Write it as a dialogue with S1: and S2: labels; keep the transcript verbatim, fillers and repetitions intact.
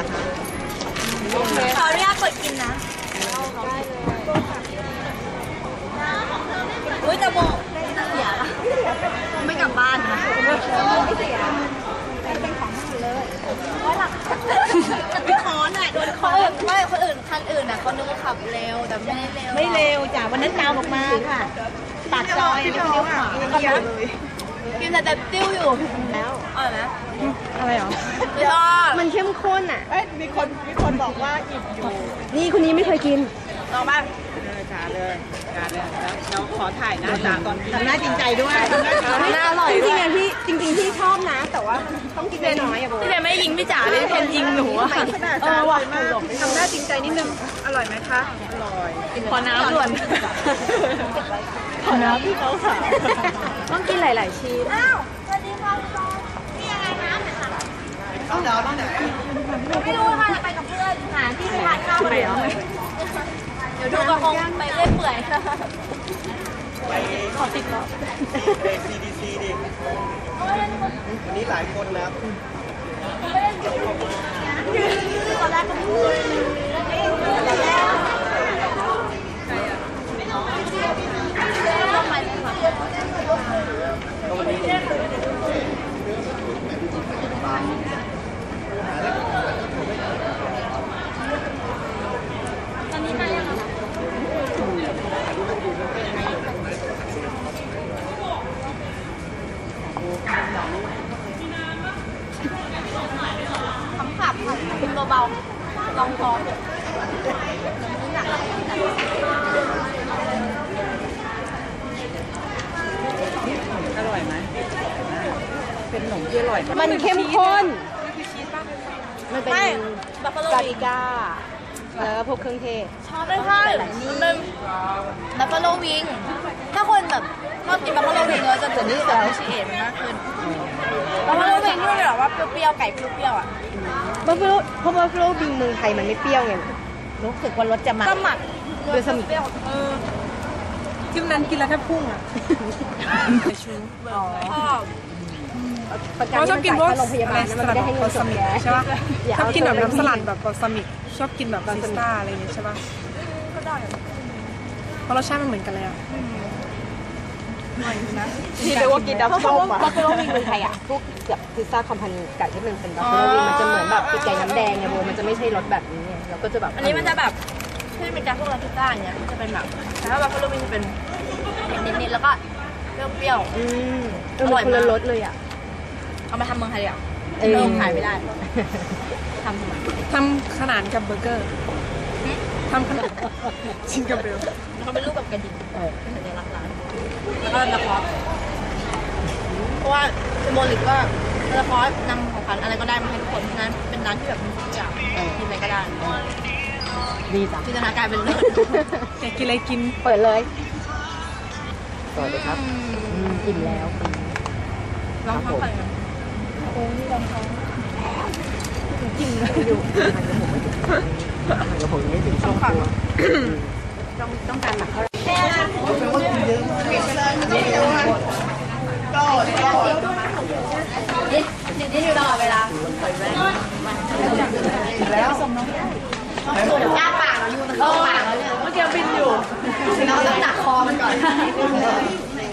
S1: อะคะ
S2: ขออนุญาตเปิดกินนะอุ้ยจะบอกเสียไม่กลับบ้านนะไม่เสียเป็นของมันเลยว่าหลักเป็นคอนอ่ะโดนคอนไม่คนอื่นคันอื่นอ่ะเขานึกว่าขับเร็วแต่ไม่ได้เร็ว
S1: ไม่เร็วจ้ะวันนั้นตามออกมาค่ะปากซอยไม่เลี้ยวขวา
S2: กินแต่แต่ติ้วอยู่แล้วอ๋อนะ
S1: อะไรหรอ
S2: มันเข้มข้นอ่ะ
S1: เอ้ยมีคนมีคนบอกว่าอิ่มอยู่
S2: นี่คนนี้ไม่เคยกินลองบ้าง
S1: เลยจ้าเลยจ้าเลยแล้วเราขอถ่ายหน้าจ้าก่อนทำหน้าจริงใจด้วย
S2: หน้าอร่อย
S1: จริงๆพี่จริงๆพี่ชอบนะแต่ว่าต้องกินน้อยๆอ่ะโบ
S2: พี่เจไม่ยิงพี่จ๋าเลยเป็นยิงหนูอ่ะ
S1: เออว่ะทำหน้าจริงใจนิดนึงอร่อยไหมคะอร่อย
S2: ขอน้ำด่วน
S1: ขอน้ำพี่เขาค่ะ
S2: ต้องกินหลายๆชิ้นอ้าวสวัสดีค่ะพี่อะไรน้ำไหนคะ
S1: ต้องเดี๋ยวต้องไหน
S2: ไม่รู้ค่ะจะไปกับเพื่อนหาที่ไปทานข้าวกันเดี๋ยวเดี๋ยวดูกระพงไปเล่นเปื่อยขอติดก่อน
S3: ไป ซี ดี ซี ดิวันนี้หลายคนนะ
S2: ตอนแรกก็พูดตอนนี้มายังขำขับกินเบาๆลองท้อง
S1: อร่อยไหมเป็นขนมที่อร่อยมันเข้มข้นมันเป็น
S2: บัฟฟาโล
S1: ปาปริก้าแล้วก็พวกเครื่องเทศ
S2: ชอบเลยค่ะมันเป็นบัฟฟาโลวิงถ้าคนแบบชอบกินบัฟฟาโลวิงเราจะจะนี่จะชิเอทมากขึ้นบัฟฟาโลวิงที่แบบว่าเปรี้ยวๆไก่เปรี้ยวๆอ่ะ
S1: บัฟฟาโลเพราะบัฟฟาโลวิงเมืองไทยมันไม่เปรี้ยวไงรู้สึกว่ารสจะมัน
S2: ก็หมัก
S1: โดยสมิเออจิ้มนั้นกินแล้วแค่พุ่งอ่ะชู
S4: เขาชอบกินพวกอะไรสลัดแบบบอลซามิกใช่ป่ะชอบกินแบบน้ำสลัดแบบบอลซามิกชอบกินแบบบาซิสต้าอะไรอย่างเงี้ยใช่ป่ะ
S2: ก็ได้
S4: เพราะรสชาติมันเหมือนกันเลยอ่ะ
S1: ที่เรียกว่ากินน้ำส้มอ่ะบัฟฟาโลวิงเมืองไทยอ่ะพวกแบบพิซซ่าคอมพานีไก่ที่มันเป็นบัฟฟาโลวิงมันจะเหมือนแบบไก่น้ำแดงไงโบมันจะไม่ใช่รสแบบนี้เราก็จะแบบ
S2: อันนี้มันจะแบบที่เป็นการพวกร้านพิซซ่าอย่างเงี้ยจะเป็นแบบแต่ถ้าบัฟฟาโลวิงจะเป็นนิดๆแล้วก็เปรี้ยวๆ
S1: อืมอร่อยมากรสเลยอ่ะ
S2: เอามาทำเมืองไทยอ่ะเริ่มขายไม่ได้ทำทำไม
S4: ทำขนาดกับเบอร์เกอร์ทำขนาดชิงกับเบล
S2: เขาเป็นรูปแบบกระดิ่งเป็นสัญลักษณ์ร้านแล้วก็ละครเพราะว่าซิมโบลิกก็ละครนำของขวัญอะไรก็ได้มาให้ทุกคนนั้นเป็นร้านที่แบบมีทุกอย่างกินอะไรก็ได้
S1: ดีจ้ะ
S2: จินตนาการเป็นเลิศ
S4: อยากกินอะไรกิน
S1: เปิดเลยสวัสดีครับกินแล้ว
S2: ลองท้องไปโอ้ยลองท้อง
S1: จริงเลยอยู่เดี๋ยวผมไม่ถึงช่วงตัวต้องต้องการหนักเท่าไหร่ก็
S2: ก็นี่นี่อยู่ตลอดเวลา
S1: แล้ว
S2: อ้าปากเราอยู่ตรงปากเราเนี่ยเมื่อกี้บินอยู่เราต้องหนักคอมันก่อน